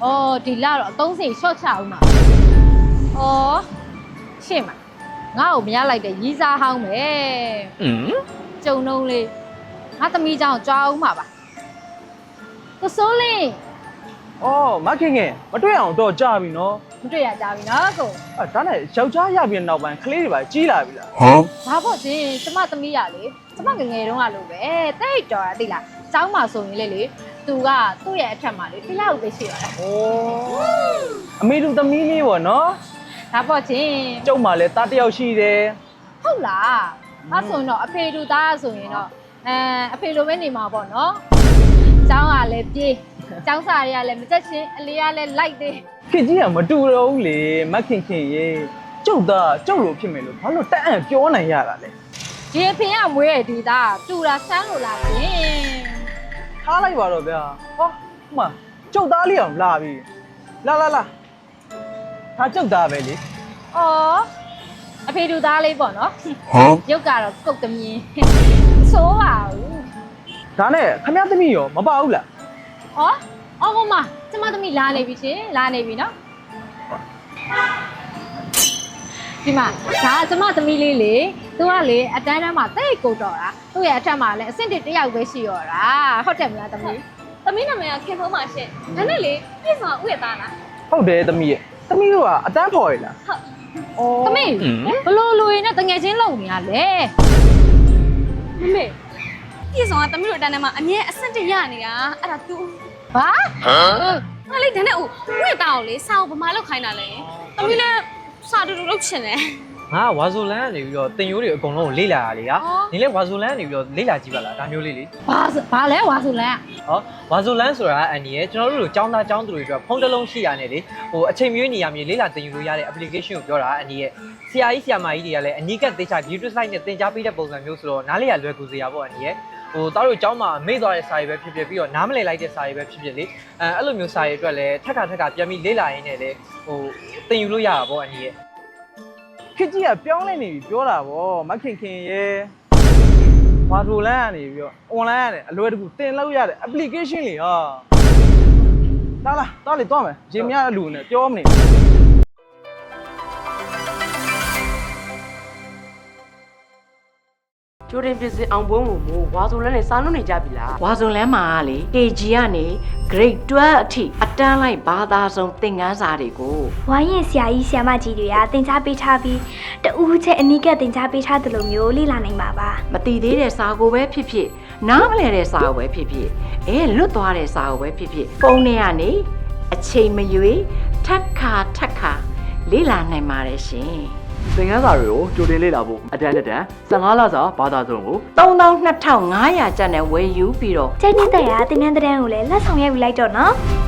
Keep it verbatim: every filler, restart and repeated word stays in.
哦，对啦了，东西小巧嘛。哦，是嘛？我后面来的二三行咩？嗯，就弄嘞，我等米张抓嘛吧。我说嘞， 哦，မခင်ခင်မတွေ့အောင်တော့ကြာပြီနော်不对呀，嘉宾那个， အဲဒါနဲ့ယောက်ျားရပြီးနောက်ပိုင်းကလေးတွေပါကြီးလာပြီလားဘာဖို့ချင်းကျမသမီးရလေကျမငငယ်တုန်းကလို့ပဲတိတ်တော်တာသိလားကျောင်းမှာဆိုရင်လေလေသူကသူ့ရဲ့အထက်မှာလေတစ်ယောက်ပဲရှိရတာဩအမေတို့သမီးလေးပေါ့နော်ဒါပေါ့ချင်းကျုပ်မှလည်းတားတစ်ယောက်ရှိတယ်ဟုတ်လားအဲဆိုရင်တော့အဖေတို့သားဆိုရင်တော့အဲအဖေလိုပဲနေမှာပေါ့နော်ကျောင်းကလည်းပြေးကျောင်းစာတွေကလည်းမတက်ချင်းအလေးကလည်းလိုက်သေးခေကြီးကမတူတော့ဘူးလေမခင်ခင်ရေကျုပ်သားကျုပ်လိုဖြစ်မယ်လို့ဘာလို့တက်အံ့ပြောနိုင်ရတာလဲဒီအဖေကမွေးရဒီသားတူတာဆန်းလို့လားရှင်ထားလိုက်ပါတော့ဗျာဟောဟိုမှာကျုပ်သားလေးအောင်လာပြီလာလာလာဒါကျုပ်သားပဲလေဩအဖေတို့သားလေးပေါ့နော်ဟမ်ရုပ်ကတော့ကုတ်သမီးဆိုးပါဘူးဒါနဲ့ခမရသမီးရောမပါဘူးလားဩအော်ဟိုမှာကျမသမီးလာနေပြီရှင်လာနေပြီနော်ဒီမှာဒါကျမသမီးလေးလေသူကလေအတန်းတန်းမှာတိတ်ကိုတော်တာသူ့ရဲ့အထက်မှာလည်းအဆင့်တစ်တစ်ယောက်ပဲရှိရောတာဟုတ်တယ်မလားသမီးသမီးနာမည်ကခင်ဖုံးပါရှင်ဒါနဲ့လေပြည့်စုံဥရသားလားဟုတ်တယ်သမီးရဲ့သမီးတို့ကအတန်းဖော်ရလားဟုတ်သမီးဘလို့လူရင်းနဲ့တငယ်ချင်းလုံနေရလဲမမေပြည့်စုံကသမီးတို့အတန်းထဲမှာအမြဲအဆင့်တစ်ရနေတာအဲ့ဒါ तू ဘာဟမ်ငါလေးဒါနဲ့ဥဥရသားကိုလေစာအုပ်ဗမာလောက်ခိုင်းတာလေသမီးလည်းစာတူတူလုပ်ချင်တယ်ငါဝါဆိုလန်းကနေပြီးတော့တင်ရိုးတွေအကုန်လုံးကိုလေ့လာရလေဟာဒီလေဝါဆိုလန်းကနေပြီးတော့လေ့လာကြည့်ပါလားဒါမျိုးလေးလေဘာဘာလဲဝါဆိုလန်းဟောဝါဆိုလန်းဆိုတာအန်ဒီရဲ့ကျွန်တော်တို့လိုចောင်းသားចောင်းသူတွေအတွက်ဖုန်းတစ်လုံးရှိရနေလေဟိုအချိန်မျိုးနေရမြေလေ့လာတင်ယူလို့ရတဲ့ application ကိုပြောတာအန်ဒီရဲ့ဆရာကြီးဆရာမကြီးတွေကလည်းအနီးကပ်သေချာ video slide နဲ့သင်ကြားပေးတဲ့ပုံစံမျိုးဆိုတော့နားလေရလွယ်ကူစရာပေါ့အန်ဒီရဲ့ဟိုသားတို့ကျောင်းမှာမေ့သွားတဲ့စာရေးပဲဖြစ်ဖြစ်ပြီးတော့နားမလည်လိုက်တဲ့စာရေးပဲဖြစ်ဖြစ်လေအဲအဲ့လိုမျိုးစာရေးအတွက်လည်းထက်ခါထက်ခါပြန်ပြီးလေ့လာရင်းနဲ့လေဟိုသင်ယူလို့ရတာပေါ့အန်ဒီရဲ့ခေကြီးကပြောင်းလဲနေပြီပြောတာဗောမခင်ခင်ရေဝါဒိုလန်းကနေပြီးတော့ online ကနေအလွယ်တကူတင်လို့ရတဲ့ application လေဟာလာလာတော်လေတော့မယ်ရေမြအလူနဲ့ပြောမနေကျိုးတင်ပြစစ်အောင်ပွဲကိုမို့ဝါဆိုလန်းနဲ့စာနှုတ်နေကြပြီလားဝါဆိုလန်းမှာလေ ကေဂျီ ကနေ grade တွဲလ် အထိအတန်းလိုက်ဘာသာဆုံးသင်ခန်းစာတွေကိုဝိုင်းရင်ဆရာကြီးဆရာမကြီးတွေကသင်ကြားပေးထားပြီးတဦးချက်အနီးကပ်သင်ကြားပေးထားသလိုမျိုးလေ့လာနိုင်ပါပါမတည်သေးတဲ့စာကိုပဲဖြစ်ဖြစ်နားမလည်တဲ့စာကိုပဲဖြစ်ဖြစ်အဲလွတ်သွားတဲ့စာကိုပဲဖြစ်ဖြစ်ပုံထဲကနေအချိန်မရွေးထက်ခါထက်ခါလေ့လာနိုင်ပါတယ်ရှင်သင်ခန်းစာတွေကိုကြိုတင်လေ့လာဖို့အတန်းတက်ဆယ်ငါးလစာဘာသာစုံကိုသုံးသောင်းနှစ်ထောင်ငါးရာကျပ်နဲ့ဝယ်ယူပြီးတော့ကျင်းနေတဲ့ရာသင်တန်းတဲ့ကိုလည်းလက်ဆောင်ရိုက်ပြီးလိုက်တော့နော်